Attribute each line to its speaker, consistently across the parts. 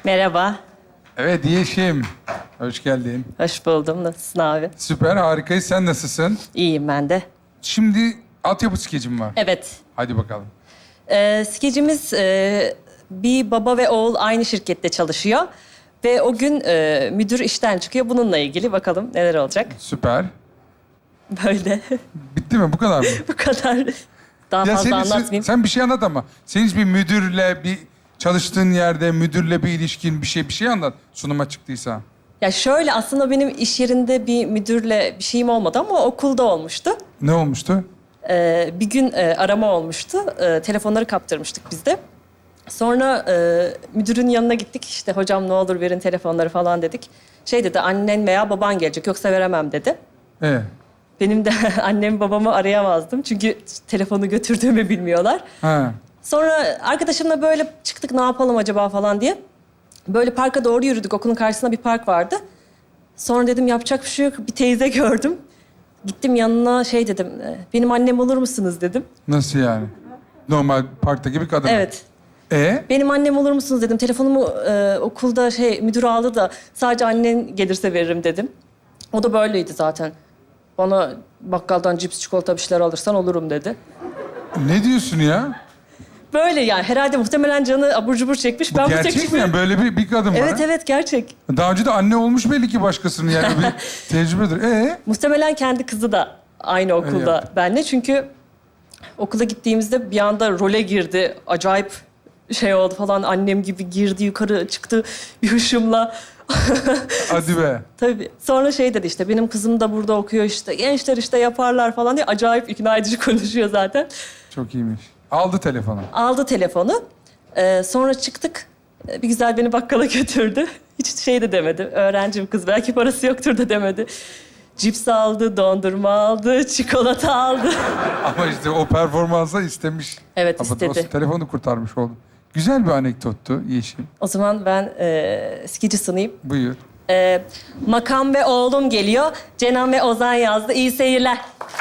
Speaker 1: Merhaba.
Speaker 2: Evet Yeşim. Hoş geldin.
Speaker 1: Hoş buldum. Nasılsın abi?
Speaker 2: Süper, harikayız. Sen nasılsın?
Speaker 1: İyiyim ben de.
Speaker 2: Şimdi altyapı skecim var.
Speaker 1: Evet.
Speaker 2: Hadi bakalım.
Speaker 1: Skecimiz bir baba ve oğul aynı şirkette çalışıyor. Ve o gün müdür işten çıkıyor. Bununla ilgili bakalım neler olacak.
Speaker 2: Süper.
Speaker 1: Böyle.
Speaker 2: Bitti mi? Bu kadar mı?
Speaker 1: Bu kadar. Daha fazla anlatmayayım.
Speaker 2: Sen bir şey anlat ama. Senin hiç bir müdürle, bir çalıştığın yerde müdürle bir ilişkin, bir şey anlat. Sunuma çıktıysa.
Speaker 1: Ya şöyle aslında benim iş yerinde bir müdürle bir şeyim olmadı ama okulda olmuştu.
Speaker 2: Ne olmuştu?
Speaker 1: Bir gün arama olmuştu. Telefonları kaptırmıştık biz de. Sonra müdürün yanına gittik. İşte hocam ne olur verin telefonları falan dedik. Şey dedi, annen veya baban gelecek yoksa veremem dedi. Benim de annemi babamı arayamazdım. Çünkü telefonu götürdüğümü bilmiyorlar.
Speaker 2: Ha.
Speaker 1: Sonra arkadaşımla böyle çıktık ne yapalım acaba falan diye. Böyle parka doğru yürüdük. Okulun karşısında bir park vardı. Sonra dedim yapacak bir şey yok. Bir teyze gördüm. Gittim yanına şey dedim. Benim annem olur musunuz dedim.
Speaker 2: Nasıl yani? Normal parktaki bir kadın.
Speaker 1: Evet. Benim annem olur musunuz dedim. Telefonumu okulda müdür aldı da sadece annen gelirse veririm dedim. O da böyleydi zaten. Bana bakkaldan cips, çikolata bir şeyler alırsan olurum dedi.
Speaker 2: Ne diyorsun ya?
Speaker 1: Böyle yani herhalde muhtemelen canı abur cubur çekmiş. Ben bu
Speaker 2: Gerçek
Speaker 1: teklifi...
Speaker 2: mi yani? Böyle bir kadın var.
Speaker 1: Evet evet gerçek.
Speaker 2: Daha önce de anne olmuş belli ki başkasının yani bir tecrübedir.
Speaker 1: Muhtemelen kendi kızı da aynı okulda
Speaker 2: yaptı.
Speaker 1: benimle. Çünkü okula gittiğimizde bir anda role girdi. Acayip şey oldu falan. Annem gibi girdi, yukarı çıktı bir hışımla.
Speaker 2: Hadi be.
Speaker 1: Tabii. Sonra şey dedi işte, benim kızım da burada okuyor işte. Gençler işte yaparlar falan diye acayip ikna edici konuşuyor zaten.
Speaker 2: Çok iyiymiş. Aldı telefonu.
Speaker 1: Aldı telefonu. Sonra çıktık. Bir güzel beni bakkala götürdü. Hiç şey de demedi. Öğrencim kız, belki parası yoktur da demedi. Cips aldı, dondurma aldı, çikolata aldı.
Speaker 2: Ama işte o performansa istemiş.
Speaker 1: Evet,
Speaker 2: Ama
Speaker 1: istedi.
Speaker 2: o telefonu kurtarmış oldu. Güzel bir anekdottu Yeşim.
Speaker 1: O zaman ben skici sunayım.
Speaker 2: Buyur.
Speaker 1: Makam ve oğlum geliyor. Cenan ve Ozan yazdı. İyi seyirler.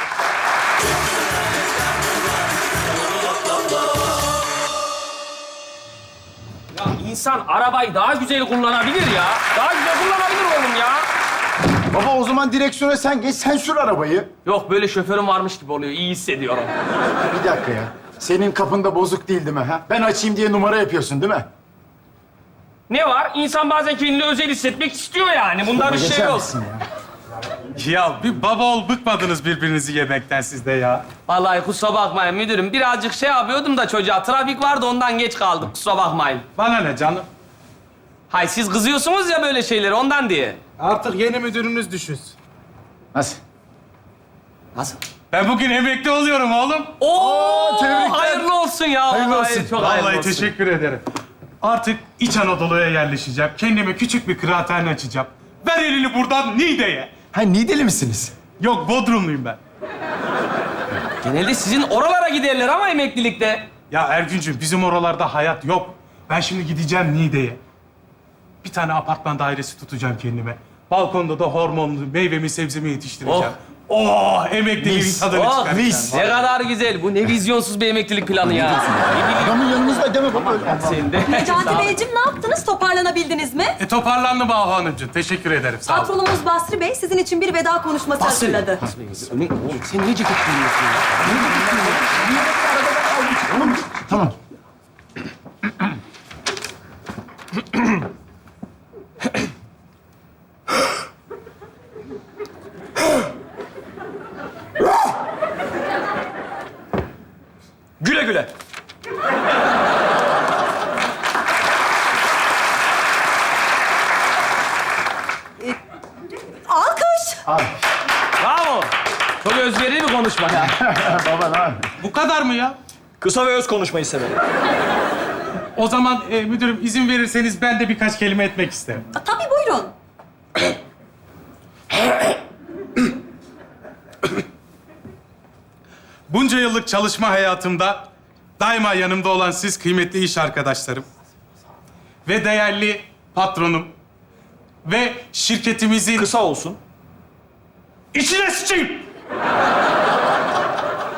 Speaker 3: Ya insan arabayı daha güzel kullanabilir ya. Daha güzel kullanabilir oğlum ya.
Speaker 4: Baba o zaman direksiyona sen geç, sen sür arabayı.
Speaker 3: Yok böyle şoförüm varmış gibi oluyor. İyi hissediyorum.
Speaker 4: Bir dakika ya. Senin kapında bozuk değil mi ha? Ben açayım diye numara yapıyorsun değil mi?
Speaker 3: Ne var? İnsan bazen kendini özel hissetmek istiyor yani. Bunda bir şey
Speaker 4: Geçer
Speaker 3: yok.
Speaker 4: misin ya?
Speaker 5: Ya bir baba ol bıkmadınız birbirinizi yemekten siz de ya.
Speaker 3: Vallahi kusura bakmayın müdürüm. Birazcık şey yapıyordum da çocuğa. Trafik vardı ondan geç kaldım. Kusura bakmayın.
Speaker 5: Bana ne canım?
Speaker 3: Hay siz kızıyorsunuz ya böyle şeyleri ondan diye.
Speaker 5: Artık yeni müdürünüz düşünsün.
Speaker 4: Nasıl?
Speaker 3: Nasıl?
Speaker 5: Ben bugün emekli oluyorum oğlum.
Speaker 3: Oo,
Speaker 4: tebrikler.
Speaker 3: hayırlı olsun ya.
Speaker 4: Hayırlı
Speaker 3: Vallahi
Speaker 4: olsun.
Speaker 3: Çok hayırlı
Speaker 5: Vallahi
Speaker 3: olsun.
Speaker 5: teşekkür ederim. Artık İç Anadolu'ya yerleşeceğim. Kendime küçük bir kıraathane açacağım. Ver elini buradan Niğde'ye.
Speaker 4: Ha Niğdeli misiniz?
Speaker 5: Yok Bodrumluyum ben.
Speaker 3: Genelde sizin oralara giderler ama emeklilikte.
Speaker 5: Ya Ergüncüm bizim oralarda hayat yok. Ben şimdi gideceğim Niğde'ye. Bir tane apartman dairesi tutacağım kendime. Balkonda da hormonlu meyvemi sebzemi yetiştireceğim. Oh, emekliliğin
Speaker 4: Mis.
Speaker 5: tadını
Speaker 3: Oh,
Speaker 5: çıkaracağım.
Speaker 4: mis.
Speaker 3: Ne kadar güzel. Bu ne vizyonsuz bir emeklilik planı ya.
Speaker 4: Adamın yanınızda deme baba öyle.
Speaker 3: Senin de.
Speaker 6: Necati Beyciğim ne yaptınız? Toparlanabildiniz mi?
Speaker 5: Toparlandım Ahu Hanımcığım. Teşekkür ederim. Sağ olun.
Speaker 6: Patronumuz Basri Bey sizin için bir veda konuşması hazırladı.
Speaker 3: Sen niye ceket giyiyorsun ya?
Speaker 4: Tamam.
Speaker 3: Güle güle.
Speaker 6: Alkış!
Speaker 3: Bravo. Çok özverili bir konuşma ya.
Speaker 4: Baba ne yapıyorsun?
Speaker 5: Bu kadar mı ya?
Speaker 7: Kısa ve öz konuşmayı severim.
Speaker 5: O zaman müdürüm izin verirseniz ben de birkaç kelime etmek isterim.
Speaker 6: Tabii buyurun.
Speaker 5: Bunca yıllık çalışma hayatımda daima yanımda olan siz kıymetli iş arkadaşlarım ve değerli patronum ve şirketimizin...
Speaker 7: Kısa olsun.
Speaker 5: İçine sıçayım!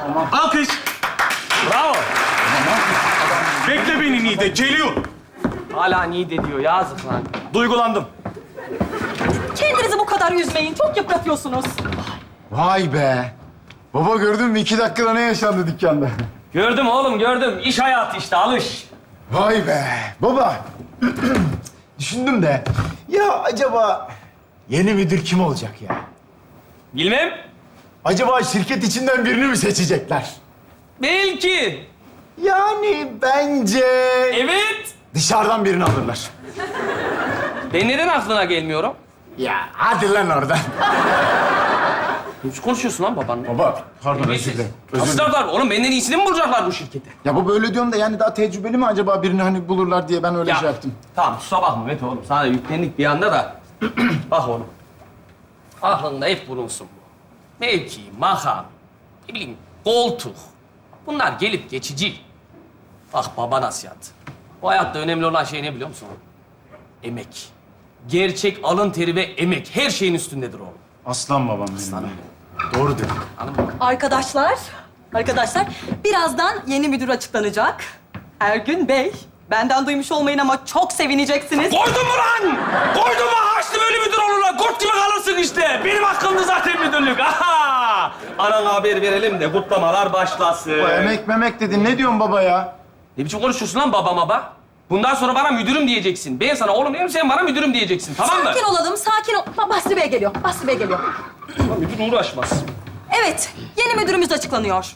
Speaker 5: Alkış!
Speaker 3: Bravo.
Speaker 5: Bekle beni Niğde, geliyor.
Speaker 3: Hala niye de diyor, yazık lan.
Speaker 7: Duygulandım.
Speaker 6: Kendinizi bu kadar üzmeyin. Çok yıpratıyorsunuz.
Speaker 4: Vay be. Baba gördün mü 2 dakikada ne yaşandı dükkanda?
Speaker 3: Gördüm oğlum, gördüm. İş hayatı işte, alış.
Speaker 4: Vay be. Baba. Düşündüm de. Ya acaba yeni müdür kim olacak ya?
Speaker 3: Bilmem.
Speaker 4: Acaba şirket içinden birini mi seçecekler?
Speaker 3: Belki.
Speaker 4: Yani bence
Speaker 3: Evet.
Speaker 4: dışarıdan birini alırlar.
Speaker 3: Ben neden aklına gelmiyorum?
Speaker 4: Ya hadi lan oradan.
Speaker 3: Ne konuşuyorsun lan babanla?
Speaker 4: Baba pardon özür dilerim. Özür dilerim.
Speaker 3: Aslarlar oğlum, benden iyisini mi bulacaklar bu şirkete?
Speaker 4: Ya baba öyle diyorum da yani daha tecrübeli mi acaba birini hani bulurlar diye ben öyle şey yaptım.
Speaker 3: Tamam, kusura bakma Mete oğlum. Sana yüklendik bir anda da. Bak oğlum. Aklında hep bulunsun bu. Mevki, makam, ne bileyim koltuk. Bunlar gelip geçici. Bak baba nasihat. Bu hayatta önemli olan şey ne biliyor musun? Emek. Gerçek alın teri ve emek her şeyin üstündedir oğlum.
Speaker 4: Aslan babam benim.
Speaker 3: Aslanım
Speaker 4: Doğru diyor.
Speaker 3: Anladın mı?
Speaker 6: Arkadaşlar, birazdan yeni müdür açıklanacak. Ergün Bey, benden duymuş olmayın ama çok sevineceksiniz.
Speaker 3: Koydun mu lan? Koydun mu? Haçlı böyle müdür olur lan. Kurt gibi kalırsın işte. Benim hakkımda zaten müdürlük. Aha! Anana haber verelim de kutlamalar başlasın.
Speaker 4: Bu emek memek dedin. Ne diyorsun baba ya?
Speaker 3: Ne biçim konuşuyorsun lan baba? Bundan sonra bana müdürüm diyeceksin. Ben sana oğlum diyorum, sen bana müdürüm diyeceksin. Tamam mı?
Speaker 6: Sakin olalım, sakin ol. Basri Bey geliyor, Basri Bey geliyor.
Speaker 3: Müdür uğraşmaz.
Speaker 6: Evet, yeni müdürümüz açıklanıyor.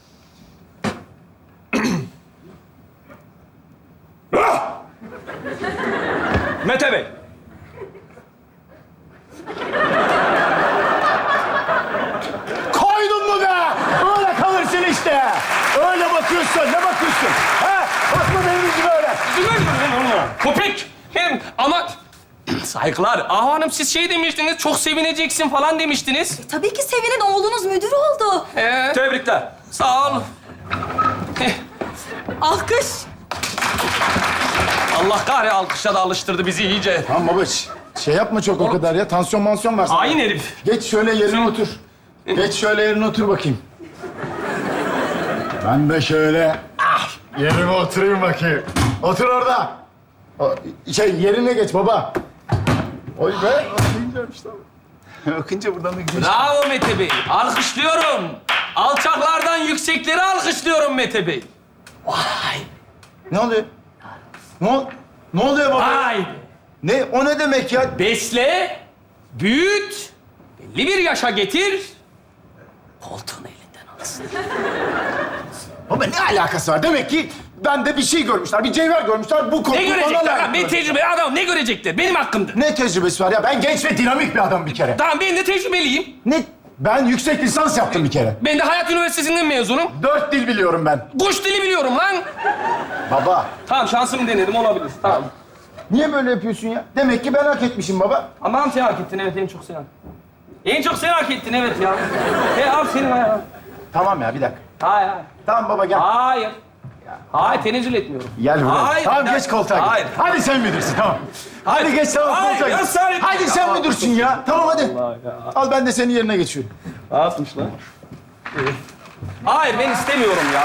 Speaker 7: Mete Bey.
Speaker 4: Koydun mu be? Öyle kalırsın işte. Öyle bakıyorsun. Ne bakıyorsun? Ha? Bakma benim gibi öyle.
Speaker 3: Köpek! Hem ama... Saygılar. Ahu Hanım siz şey demiştiniz, çok sevineceksin falan demiştiniz.
Speaker 6: Tabii ki sevinin oğlunuz müdür oldu.
Speaker 7: Tebrikler.
Speaker 3: Sağ ol.
Speaker 6: Alkış.
Speaker 3: Allah kahre alkışla da alıştırdı bizi iyice.
Speaker 4: Tamam baba şey yapma çok o kadar ya. Tansiyon mansiyon var sana.
Speaker 3: Hain herif.
Speaker 4: Geç şöyle yerine otur. Geç şöyle yerine otur bakayım. Ben de şöyle yerime oturayım bakayım. Otur orada. Yerine geç baba. Oy be. Okuyunca işte. Okuyunca buradan da gidiyor.
Speaker 3: Bravo Mete Bey. Alkışlıyorum. Alçaklardan yüksekleri alkışlıyorum Mete Bey.
Speaker 4: Ne oluyor? Ne oluyor baba?
Speaker 3: Vay.
Speaker 4: Ne? O ne demek ya?
Speaker 3: Besle, büyüt, belli bir yaşa getir, koltuğunu elinden alsın.
Speaker 4: Baba ne alakası var? Demek ki bende bir şey görmüşler, bir cevher görmüşler. Bu koltuğu
Speaker 3: Ne
Speaker 4: bana
Speaker 3: görecekler?
Speaker 4: layık.
Speaker 3: Ben tecrübeli adam, ne görecekler? Benim hakkımda.
Speaker 4: Ne tecrübesi var ya? Ben genç ve dinamik bir adam bir kere.
Speaker 3: Tamam, ben de tecrübeliyim.
Speaker 4: Ne? Ben yüksek lisans yaptım bir kere.
Speaker 3: Ben de Hayat Üniversitesi'nden mezunum.
Speaker 4: 4 dil biliyorum ben.
Speaker 3: Kuş dili biliyorum lan.
Speaker 4: Baba,
Speaker 3: Tamam, şansımı denedim, olabilir. Tamam.
Speaker 4: niye böyle yapıyorsun ya? Demek ki ben hak etmişim baba.
Speaker 3: Aman sen hak ettin, evet, en çok sen hak ettin. En çok sen hak ettin, evet ya. Al senin ayağın.
Speaker 4: Tamam ya, bir dakika.
Speaker 3: Hayır.
Speaker 4: Tamam baba gel.
Speaker 3: Hayır. Hayır, tenezzül etmiyorum.
Speaker 4: Gel buraya.
Speaker 3: Hayır.
Speaker 4: Tamam geç koltuğa geç.
Speaker 3: Hayır.
Speaker 4: Hadi sen müdürsün tamam.
Speaker 3: Hayır.
Speaker 4: Hadi geç tamam
Speaker 3: Hayır,
Speaker 4: koltuğa
Speaker 3: ya
Speaker 4: geç.
Speaker 3: sen-
Speaker 4: Hadi sen
Speaker 3: Ya,
Speaker 4: müdürsün ya. Tamam hadi. Al ben de senin yerine geçiyorum.
Speaker 3: Ne yapmış lan? Hayır, ben istemiyorum ya.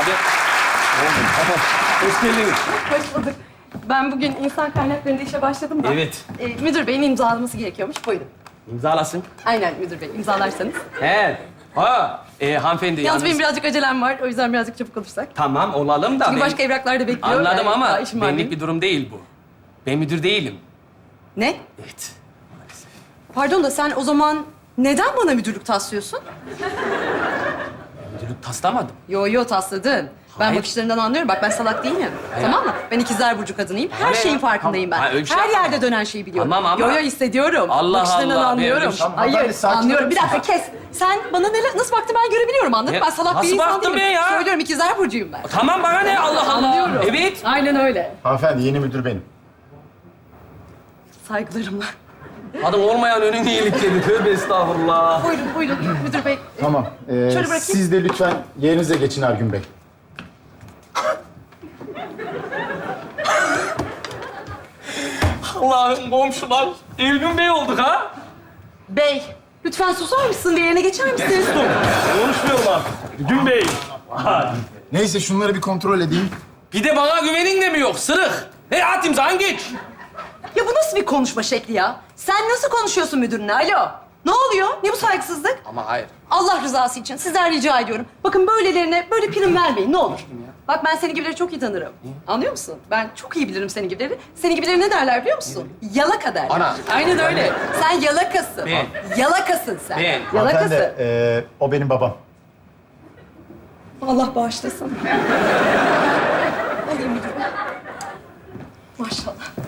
Speaker 3: Hoş geldiniz.
Speaker 8: Hoş bulduk. Ben bugün insan kaynaklarında işe başladım da.
Speaker 3: Evet.
Speaker 8: Müdür beyin imzalaması gerekiyormuş. Buyurun.
Speaker 3: İmzalasın.
Speaker 8: Aynen müdür bey, imzalarsanız.
Speaker 3: He. Ha. Hanımefendi
Speaker 8: Yalnız benim
Speaker 3: yalnız...
Speaker 8: birazcık acelem var. O yüzden birazcık çabuk olursak.
Speaker 3: Tamam, olalım da
Speaker 8: Çünkü
Speaker 3: ben...
Speaker 8: başka evraklar da bekliyor.
Speaker 3: Anladım
Speaker 8: Yani
Speaker 3: ama
Speaker 8: daha işim var
Speaker 3: benlik
Speaker 8: benim.
Speaker 3: bir durum değil bu. Ben müdür değilim.
Speaker 8: Ne?
Speaker 3: Evet.
Speaker 8: Pardon da sen o zaman neden bana müdürlük taslıyorsun?
Speaker 3: Müdürlük taslamadım.
Speaker 8: Yo tasladın. Ben
Speaker 3: Hayır.
Speaker 8: bakışlarından anlıyorum. Bak ben salak değilim. Tamam mı? Ben ikizler burcu kadınıyım. Her
Speaker 3: Hayır.
Speaker 8: şeyin farkındayım ben.
Speaker 3: Hayır, öyle bir şey
Speaker 8: Her
Speaker 3: yapma.
Speaker 8: yerde dönen şeyi biliyorum.
Speaker 3: Tamam ama-
Speaker 8: Yo hissediyorum.
Speaker 3: Allah
Speaker 8: Bakışlarından
Speaker 3: Allah, ben
Speaker 8: anlıyorum.
Speaker 3: öyle bir şey-
Speaker 8: Hayır
Speaker 4: Hanımefendi, sakin
Speaker 8: anlıyorum.
Speaker 4: olur
Speaker 8: Bir dakika kes. Sen bana nasıl baktın ben görebiliyorum anladın mı?
Speaker 3: Ne?
Speaker 8: Ben salak bir
Speaker 3: Nasıl
Speaker 8: insan
Speaker 3: baktım
Speaker 8: değilim.
Speaker 3: ben ya?
Speaker 8: Söylüyorum ikizler burcuyum ben.
Speaker 3: Tamam, bana ne? Allah Allah.
Speaker 8: Anlıyorum.
Speaker 3: Evet.
Speaker 8: Aynen öyle.
Speaker 4: Hanımefendi yeni müdür benim.
Speaker 8: Saygılarımla.
Speaker 3: Adım olmayan önün iyilikleri. Tövbe estağfurullah.
Speaker 8: Buyurun müdür bey.
Speaker 4: Tamam.
Speaker 8: bırakayım.
Speaker 4: Siz de lütfen yerinize geçin Ergün Bey.
Speaker 3: Allah'ım komşular. Ergün Bey olduk ha.
Speaker 8: Bey, lütfen susar mısın? Bir yerine geçer misin?
Speaker 3: Konuşmuyorum artık. Ergün Bey.
Speaker 4: Neyse şunları bir kontrol edeyim.
Speaker 3: Bir de bana güvenin de mi yok? Sırık. At imzanı geç.
Speaker 8: Ya bu nasıl bir konuşma şekli ya? Sen nasıl konuşuyorsun müdürüne? Alo. Ne oluyor? Ne bu saygısızlık?
Speaker 3: Ama hayır.
Speaker 8: Allah rızası için sizden rica ediyorum. Bakın böylelerine böyle prim vermeyin ne olur. Bak ben seni gibileri çok iyi tanırım. Anlıyor musun? Ben çok iyi bilirim seni gibileri. Seni gibileri ne derler biliyor musun? Yalaka derler.
Speaker 3: Ana.
Speaker 8: Aynen öyle. Sen yalakasın.
Speaker 3: Ben.
Speaker 8: Yalakasın sen.
Speaker 3: Ben.
Speaker 8: Yalakasın.
Speaker 4: Hanımefendi, o benim babam.
Speaker 8: Allah bağışlasın. Alayım müdürüm. Maşallah.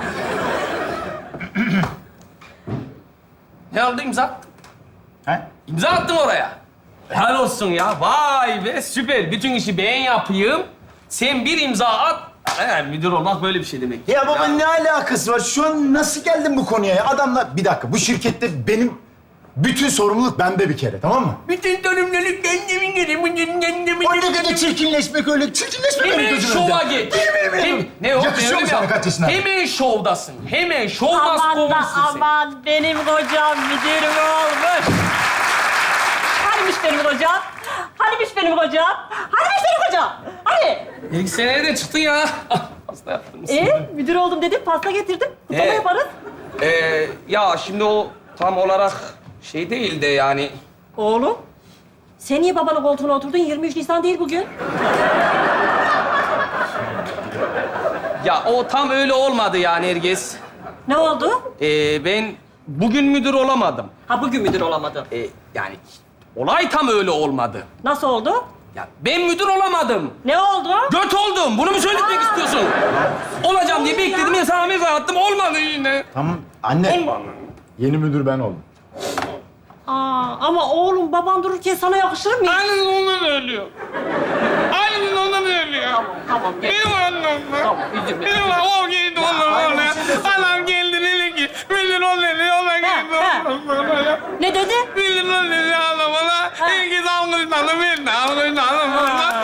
Speaker 3: Ne oldu imza attın?
Speaker 4: He?
Speaker 3: İmza attın oraya. Helal olsun ya. Vay be süper. Bütün işi ben yapayım. Sen bir imza at. Müdür olmak böyle bir şey demek.
Speaker 4: Ya baba ne alakası var? Şu an nasıl geldin bu konuya ya? Adamlar... Bir dakika, bu şirkette benim bütün sorumluluk bende bir kere, tamam mı?
Speaker 3: Bütün sorumluluk kendimin
Speaker 4: O ne kadar çirkinleşmek öyle. Çirkinleşmek öyle
Speaker 3: Hemen
Speaker 4: gözümün
Speaker 3: şova
Speaker 4: önünde.
Speaker 3: git.
Speaker 4: Benim.
Speaker 3: Ne o?
Speaker 4: Yakışıyor
Speaker 3: Öyle
Speaker 4: mu
Speaker 3: mi
Speaker 4: sana
Speaker 3: yap-
Speaker 4: kaç yaşında?
Speaker 3: Hemen şovdasın. Hemen şovdasın.
Speaker 1: Aman da aman benim kocam müdürüm olmuş. Hanimiş benim kocam? Hanimiş benim kocam? Hanimiş benim kocam? Hani?
Speaker 3: İlk seneye de çıktın ya. Hasta yaptınız.
Speaker 1: Müdür oldum dedim, pasta getirdim. Kutlama yaparız.
Speaker 3: Ya şimdi o tam olarak şey değil de yani...
Speaker 1: Oğlum, sen niye babanın koltuğuna oturdun? 23 Nisan değil bugün.
Speaker 3: Ya o tam öyle olmadı yani Ergez.
Speaker 1: Ne oldu?
Speaker 3: Ben bugün müdür olamadım.
Speaker 1: Ha bugün müdür olamadın.
Speaker 3: Yani olay tam öyle olmadı.
Speaker 1: Nasıl oldu?
Speaker 3: Ya ben müdür olamadım.
Speaker 1: Ne oldu?
Speaker 3: Göt oldum. Bunu mu söyletmek istiyorsun? Olacağım diye bekledim. Ya sana mesaj attım. Olmadı yine.
Speaker 4: Tamam, anne. Yeni müdür ben oldum.
Speaker 1: Ama oğlum baban dururken sana yakışır mı?
Speaker 3: Aynen ondan ölüyor. Aynen ondan ölüyor.
Speaker 1: Tamam, gel.
Speaker 3: Benim annem.
Speaker 1: Tamam, üzülme.
Speaker 3: Benim o geldi ondan oraya. Anam geldi dedi ki müdür ol dedi. Ona geldi ondan oraya.
Speaker 1: Ne dedi?
Speaker 3: Müdür ol dedi anam ona. Herkes alkışlandı. Ben de alkışlandım ona.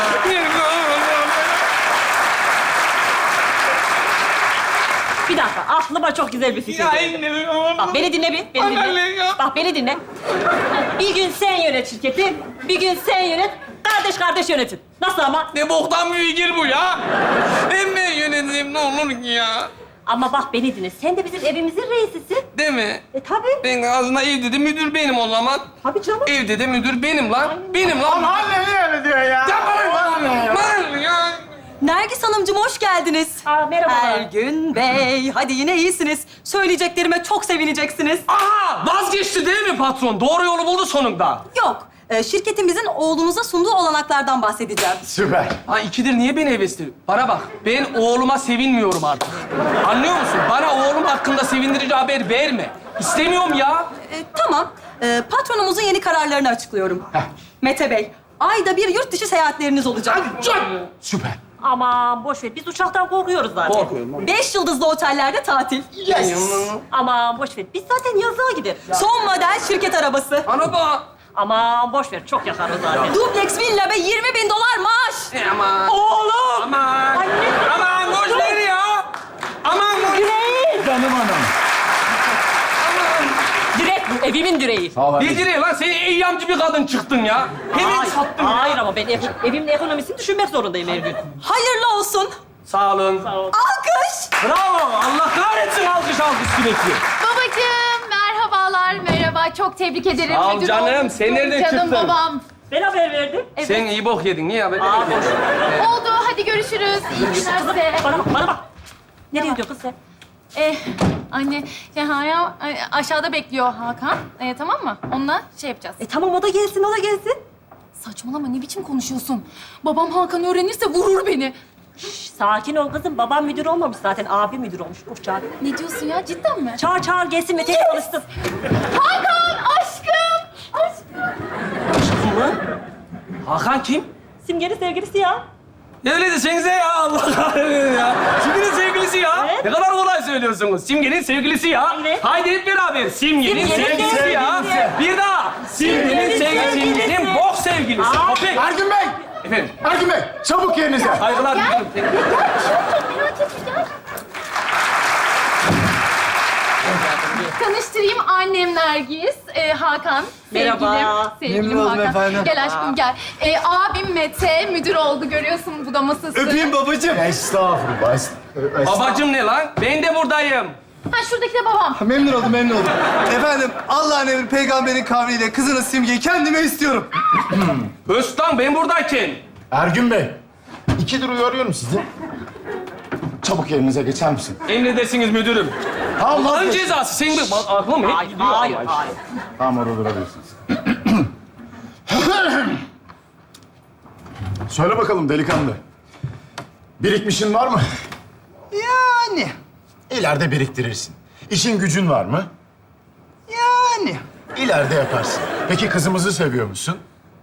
Speaker 1: Bir dakika, aklıma çok güzel bir fikir
Speaker 3: Ya
Speaker 1: geldi.
Speaker 3: inanamıyorum.
Speaker 1: Bak beni dinle bir, beni
Speaker 3: Anne
Speaker 1: dinle.
Speaker 3: ya.
Speaker 1: Bak beni dinle. Bir gün sen yönet şirketi, bir gün sen yönet, kardeş kardeş yönetin. Nasıl ama?
Speaker 3: Ne boktan bir fikir bu ya. Ben yöneteyim ne olur ki ya.
Speaker 1: Ama bak beni dinle, sen de bizim evimizin reisisin.
Speaker 3: Değil mi?
Speaker 1: Tabii.
Speaker 3: Ben aslında evde de müdür benim o zaman.
Speaker 1: Tabii canım.
Speaker 3: Evde de müdür benim lan. Benim lan.
Speaker 4: Anne niye öyle diyor ya?
Speaker 3: Ya bana ya.
Speaker 6: Nergis Hanımcığım hoş geldiniz.
Speaker 1: Merhabalar.
Speaker 6: Ergün Bey, hadi yine iyisiniz. Söyleyeceklerime çok sevineceksiniz.
Speaker 3: Aha vazgeçti değil mi patron? Doğru yolu buldu sonunda.
Speaker 6: Yok, şirketimizin oğlunuza sunduğu olanaklardan bahsedeceğim.
Speaker 4: Süper.
Speaker 3: Ha ikidir niye beni hevesli? Bana bak ben oğluma sevinmiyorum artık. Anlıyor musun? Bana oğlum hakkında sevindirici haber verme. İstemiyorum ya.
Speaker 6: Tamam, patronumuzun yeni kararlarını açıklıyorum. Mete Bey, ayda bir yurt dışı seyahatleriniz olacak.
Speaker 4: Süper.
Speaker 1: Aman boş ver, biz uçaktan korkuyoruz zaten.
Speaker 3: Korkuyorum lan.
Speaker 6: 5 yıldızlı otellerde tatil.
Speaker 1: Aman boş ver, biz zaten yazlığa gideriz.
Speaker 6: Son model şirket arabası.
Speaker 3: Araba.
Speaker 1: Aman boş ver, çok yakarız zaten.
Speaker 6: Dubleks villa ve 20.000 dolar maaş.
Speaker 3: Aman.
Speaker 1: Oğlum!
Speaker 3: Aman.
Speaker 1: Anne!
Speaker 3: Aman boş ver ya. Aman boş.
Speaker 1: Direği!
Speaker 4: Canım anam.
Speaker 1: Direk bu, evimin direği.
Speaker 4: Sağ ol
Speaker 3: Ne
Speaker 4: anneciğim.
Speaker 3: direği lan? Sen eyyamcı bir kadın çıktın ya. Hemen
Speaker 1: Hayır,
Speaker 3: sattın ya.
Speaker 1: hayır ama ben evimin ekonomisini düşünmek zorundayım her gün.
Speaker 6: Hayırlı olsun.
Speaker 3: Sağ olun.
Speaker 6: Alkış.
Speaker 3: Bravo. Allah kahretsin alkış sürekli.
Speaker 9: Babacığım, merhabalar, merhaba. Çok tebrik ederim.
Speaker 3: Sağ ol
Speaker 9: Müdür
Speaker 3: canım.
Speaker 9: olmuşsun.
Speaker 3: Sen nereden
Speaker 9: Canım
Speaker 3: çıktın?
Speaker 9: babam.
Speaker 1: Ben haber verdim.
Speaker 3: Sen iyi bok yedin. Niye haber?
Speaker 9: Oldu, hadi görüşürüz. İyi günler size.
Speaker 1: Bana bak. Nereye gidiyor kız sen?
Speaker 9: Anne, ya aşağıda bekliyor Hakan. Tamam mı? Onunla şey yapacağız.
Speaker 1: Tamam o da gelsin, o da gelsin.
Speaker 9: Saçmalama, ne biçim konuşuyorsun? Babam Hakan öğrenirse vurur beni.
Speaker 1: Sakin ol kızım. Babam müdür olmamış zaten. Abi müdür olmuş. Uf çağır.
Speaker 9: Ne diyorsun ya, cidden mi?
Speaker 1: Çağır gelsin Mete'yle konuşsun.
Speaker 9: Hakan, aşkım! Aşkım!
Speaker 1: Mı?
Speaker 3: Hakan kim?
Speaker 1: Simge'nin sevgilisi ya.
Speaker 3: Öyle desenize ya Allah kahretsin ya. Simge'nin sevgilisi ya.
Speaker 1: Evet.
Speaker 3: Ne kadar kolay söylüyorsunuz. Simge'nin sevgilisi ya.
Speaker 1: Evet.
Speaker 3: Haydi hep beraber. Simge'nin
Speaker 1: Simge'nin
Speaker 3: sevgilisi ya.
Speaker 1: sevgilisi.
Speaker 3: Bir daha. Simge'nin sevgilisi. Simge'nin bok sevgilisi. Köpek.
Speaker 4: Ergün Bey!
Speaker 3: Efendim.
Speaker 4: Ergün Bey! Çabuk yerinize.
Speaker 3: Saygılar diliyorum.
Speaker 9: Merak etme, gel. Tanıştırayım, annem Nergis, Hakan,
Speaker 1: Merhaba.
Speaker 9: sevgilim
Speaker 4: Memnun oldum
Speaker 9: Hakan.
Speaker 4: efendim.
Speaker 9: Gel aşkım gel. Abim Mete müdür oldu, görüyorsun bu da masası.
Speaker 4: Öpeyim babacığım. Estağfurullah.
Speaker 3: Babacım ne lan? Ben de buradayım.
Speaker 9: Ha şuradaki de babam.
Speaker 10: Memnun oldum, memnun oldum. Efendim, Allah'ın emri peygamberin kavliyle kızınız Simge'yi kendime istiyorum.
Speaker 3: Öztan ben buradayken.
Speaker 4: Ergün Bey, 2'dir uyarıyorum sizi. Çabuk yerinize geçer misin?
Speaker 3: Emredersiniz müdürüm.
Speaker 4: Tamam,
Speaker 3: Allah'ın
Speaker 4: vazgeç.
Speaker 3: cezası. Senin bir aklım hep gidiyor.
Speaker 6: Hayır,
Speaker 3: Allah
Speaker 6: hayır.
Speaker 4: Tamam, orada durabilirsiniz. Söyle bakalım delikanlı. Birikmişin var mı?
Speaker 10: Yani,
Speaker 4: İleride biriktirirsin. İşin gücün var mı?
Speaker 10: yani.
Speaker 4: İleride yaparsın. Peki kızımızı seviyor musun?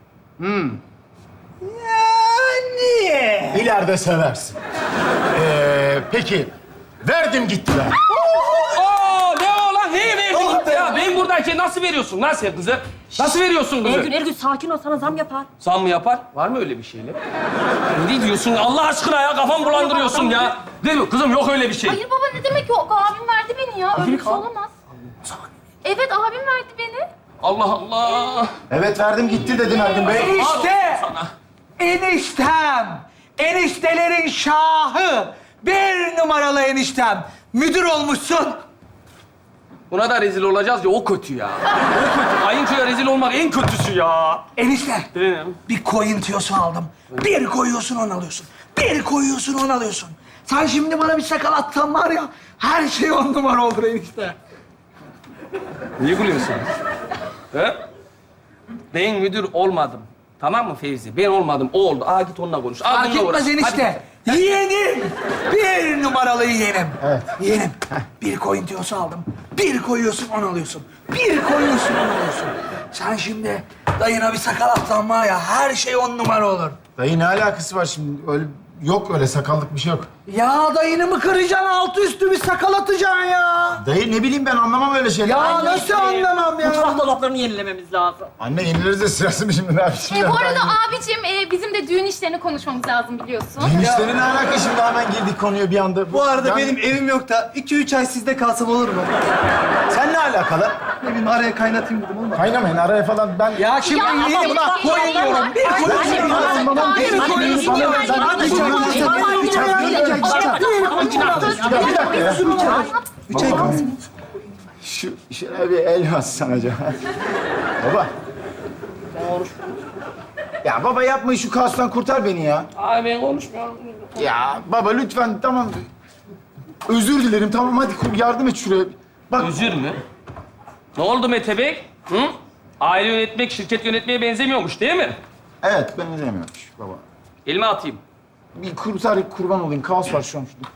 Speaker 10: Yani.
Speaker 4: İleride seversin. Peki, verdim gitti be.
Speaker 3: Oo, ne o lan? Neyi verdin? Ya ben buradayken nasıl veriyorsun lan sen kızı? Nasıl veriyorsun kızı?
Speaker 6: Ergün sakin ol, sana zam yapar.
Speaker 3: Zam mı yapar? Var mı öyle bir şeyler? Ne diyorsun Allah aşkına ya? Kafam bulandırıyorsun ya. Değil mi? Kızım yok öyle bir şey.
Speaker 9: Hayır baba ne demek yok? Abim verdi beni ya. Öyle bir şey olamaz. Evet abim verdi beni.
Speaker 3: Allah Allah.
Speaker 4: Evet, verdim gitti dedim Ergün Bey.
Speaker 10: Enişte! Eniştem! Eniştelerin şahı! Bir numaralı eniştem! Müdür olmuşsun.
Speaker 3: Buna da rezil olacağız ya o kötü ya. O kötü. Kayınçoya rezil olmak en kötüsü ya.
Speaker 10: Enişte,
Speaker 3: Benim.
Speaker 10: bir koyun tüyosu aldım. Bir koyuyorsun, onu alıyorsun. Bir koyuyorsun, onu alıyorsun. Sen şimdi bana bir sakal atsan var ya, her şey 10 numara olur enişte.
Speaker 3: Niye gülüyorsun? He? Ben müdür olmadım. Tamam mı Fevzi? Ben olmadım. O oldu. Aa git onunla konuş. Aa,
Speaker 10: Fark
Speaker 3: bununla uğraş.
Speaker 10: etmez enişte. Yeğenim! Bir numaralı yeğenim.
Speaker 4: Evet.
Speaker 10: Yeğenim, bir koyun tüyosu aldım. Bir koyuyorsun, onu alıyorsun. Bir koyuyorsun, onu alıyorsun. Sen şimdi dayına bir sakal atsan var ya, her şey 10 numara olur.
Speaker 4: Dayı ne alakası var şimdi? Öyle yok, öyle sakallık bir şey yok.
Speaker 10: Ya dayını mı kıracaksın, altı üstü bir sakal atacaksın ya?
Speaker 4: Dayı ne bileyim ben anlamam öyle şeyler.
Speaker 10: Ya nasıl anlamam ya?
Speaker 6: Mutfak dolaplarını yenilememiz lazım.
Speaker 4: Anne yenileriz de sırası mı şimdi ne yapayım?
Speaker 9: Bu arada abicim bizim de düğün işlerini konuşmamız lazım biliyorsun.
Speaker 4: Enişlerin ne alaka şimdi hemen girdik konuya bir anda.
Speaker 10: Bu arada
Speaker 4: Ben-
Speaker 10: benim evim yok da 2-3 ay sizde kalsam olur mu?
Speaker 4: Sen ne alakalı?
Speaker 10: Ne bileyim araya kaynatayım dedim olmadı.
Speaker 4: Kaynamayın araya falan ben...
Speaker 10: Ya şimdi
Speaker 9: Ya
Speaker 10: yeğenim
Speaker 9: ama
Speaker 10: bak koyun diyorum. Bir koyun diyorum.
Speaker 4: Babam bir koyun sana ben bir dakika ya. Baba, şu şuna bir el atsan acaba. Baba. Ya baba yapma şu kaostan kurtar beni ya.
Speaker 3: Ay ben konuşmuyorum.
Speaker 4: Ya baba lütfen tamam. Özür dilerim tamam hadi yardım et şuraya. Bak
Speaker 3: Özür mü? Ne oldu Mete Bey? Hı? Aile yönetmek şirket yönetmeye benzemiyormuş değil mi?
Speaker 4: evet ben izlemiyormuş baba.
Speaker 3: Elime atayım.
Speaker 4: Bir kurban olayım kaos var şu an şurada.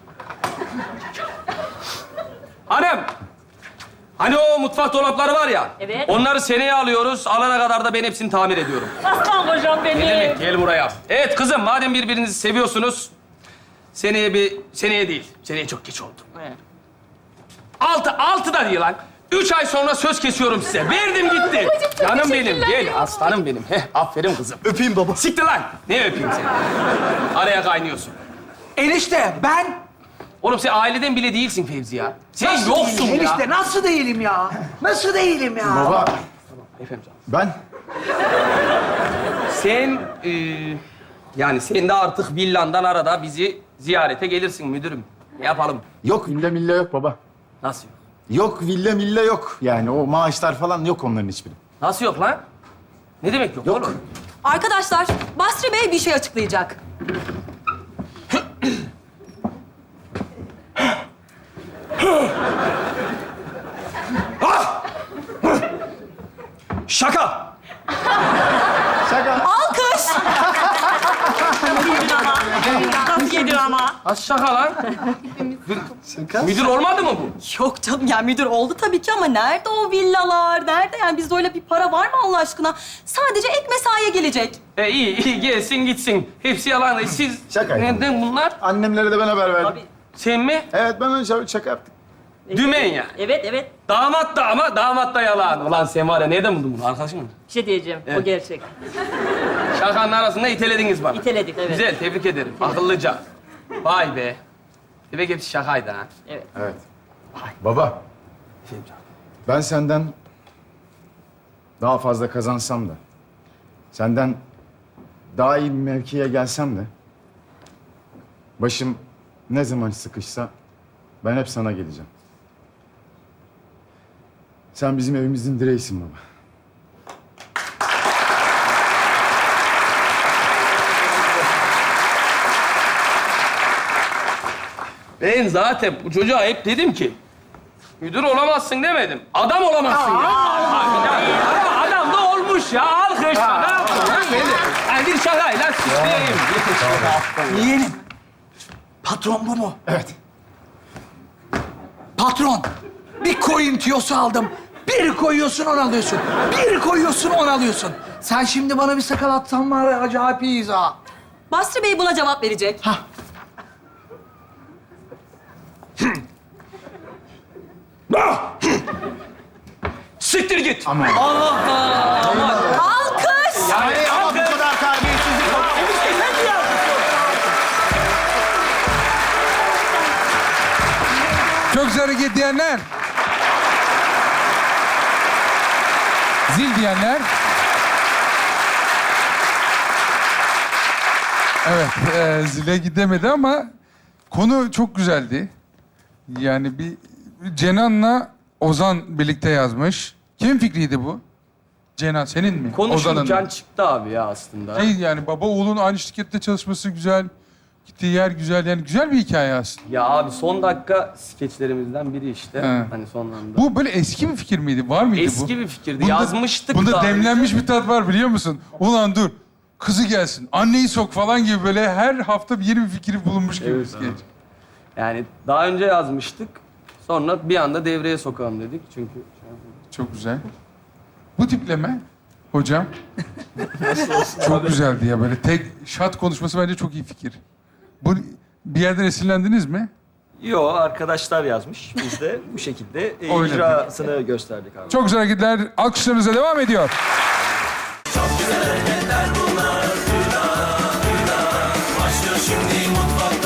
Speaker 3: Hanım! Hani o mutfak dolapları var ya.
Speaker 6: Evet.
Speaker 3: Onları seneye alıyoruz. Alana kadar da ben hepsini tamir ediyorum.
Speaker 6: Aslan hocam benim.
Speaker 3: Ne demek? Gel buraya. Evet kızım madem birbirinizi seviyorsunuz. Seneye değil. Seneye çok geç oldu.
Speaker 6: Evet.
Speaker 3: Altı da değil lan. 3 ay sonra söz kesiyorum size. Verdim gitti. Canım benim. Gel aslanım benim. Heh, aferin kızım.
Speaker 10: Öpeyim baba.
Speaker 3: Siktir lan. Ne öpeyim seni? Araya kaynıyorsun.
Speaker 10: Enişte ben...
Speaker 3: Oğlum sen aileden bile değilsin Fevzi ya. Sen yoksun ya.
Speaker 10: Enişte nasıl değilim ya? Nasıl değilim ya?
Speaker 4: Baba
Speaker 3: Efendim canım.
Speaker 4: ben
Speaker 3: Sen yani sen de artık villandan arada bizi ziyarete gelirsin müdürüm. Ne yapalım?
Speaker 4: yok villa milla yok baba.
Speaker 3: Nasıl yok?
Speaker 4: Yok villa milla yok. Yani o maaşlar falan yok onların hiçbiri.
Speaker 3: Nasıl yok lan? Ne demek yok, oğlum?
Speaker 6: Arkadaşlar, Basri Bey bir şey açıklayacak.
Speaker 7: Şaka.
Speaker 6: Alkış! Nasıl yedin ama?
Speaker 3: Az şaka lan. Müdür olmadı mı bu?
Speaker 6: Yok canım, yani müdür oldu tabii ki ama nerede o villalar? Nerede? Yani bizde öyle bir para var mı Allah aşkına? Sadece ek mesaiye gelecek.
Speaker 3: İyi gelsin gitsin. Hepsi yalan. Siz
Speaker 4: Şaka yapıyorum.
Speaker 3: neden bunlar?
Speaker 4: Annemlere de ben haber verdim.
Speaker 6: Tabii.
Speaker 3: Sen mi?
Speaker 4: Evet ben öyle şaka yaptık.
Speaker 3: Dümen ya.
Speaker 6: Evet.
Speaker 3: Damat da ama damat da yalan. Ulan sen var ya nereden buldun bunu? Arkadaşın mı?
Speaker 6: Bir şey diyeceğim,
Speaker 3: Evet.
Speaker 6: o gerçek.
Speaker 3: Şakanın arasında itelediniz bana.
Speaker 6: İteledik, evet.
Speaker 3: Güzel, tebrik ederim. Akıllıca. Vay be. Demek hepsi şakaydı ha.
Speaker 6: Evet.
Speaker 4: Evet. Baba
Speaker 3: Efendim canım.
Speaker 4: ben senden daha fazla kazansam da senden daha iyi bir mevkiye gelsem de başım Ne zaman sıkışsa ben hep sana geleceğim. Sen bizim evimizin direğisin baba.
Speaker 3: Ben zaten bu çocuğa hep dedim ki müdür olamazsın demedim. Adam olamazsın ya. Adam da olmuş ya. Alkış. Ne yapalım? Yani bir şakayla süsleyeyim.
Speaker 10: Yeğenim. Patron bu mu?
Speaker 4: Evet.
Speaker 10: Patron. Bir koyun tüyosu aldım. Bir koyuyorsun, onu alıyorsun. Bir koyuyorsun, onu alıyorsun. Sen şimdi bana bir sakal atsan var ya, acayip iyiyiz ha.
Speaker 6: Basri Bey buna cevap verecek.
Speaker 10: Hah.
Speaker 7: Siktir git.
Speaker 4: Aman.
Speaker 6: Alkış!
Speaker 4: Yani ama bu kadar terbiyesizlik yok.
Speaker 2: Çok güzel hareket diyenler. Zil diyenler. Evet, zile gidemedi ama konu çok güzeldi. Yani bir Cenan'la Ozan birlikte yazmış. Kimin fikriydi bu? Cenan senin mi?
Speaker 3: Konuşurken
Speaker 2: mı?
Speaker 3: çıktı abi ya aslında.
Speaker 2: Şey yani baba oğlun aynı şirkette çalışması güzel. Gittiği yer güzel. Yani güzel bir hikaye aslında.
Speaker 3: Ya abi son dakika skeçlerimizden biri işte.
Speaker 2: He.
Speaker 3: Hani son anda.
Speaker 2: Bu böyle eski bir fikir miydi? Var mıydı bu?
Speaker 3: Eski bir fikirdi. Yazmıştık
Speaker 2: Bunda
Speaker 3: daha
Speaker 2: demlenmiş bir tat var biliyor musun? Ulan dur. Kızı gelsin. Anneyi sok falan gibi böyle her hafta bir yeni bir fikri bulunmuş gibi bir
Speaker 3: Evet,
Speaker 2: skeç.
Speaker 3: Yani daha önce yazmıştık. Sonra bir anda devreye sokalım dedik. Çünkü
Speaker 2: Çok güzel. Bu tipleme hocam. Çok güzeldi ya böyle tek şat konuşması bence çok iyi fikir. Bu bir yerden esinlendiniz mi?
Speaker 7: Yo, arkadaşlar yazmış. Biz de bu şekilde
Speaker 2: Oynadık.
Speaker 7: icrasını gösterdik abi.
Speaker 2: Çok güzel hareketler. Alkışlarınıza devam ediyor.
Speaker 11: Başlıyor şimdi mutfakta.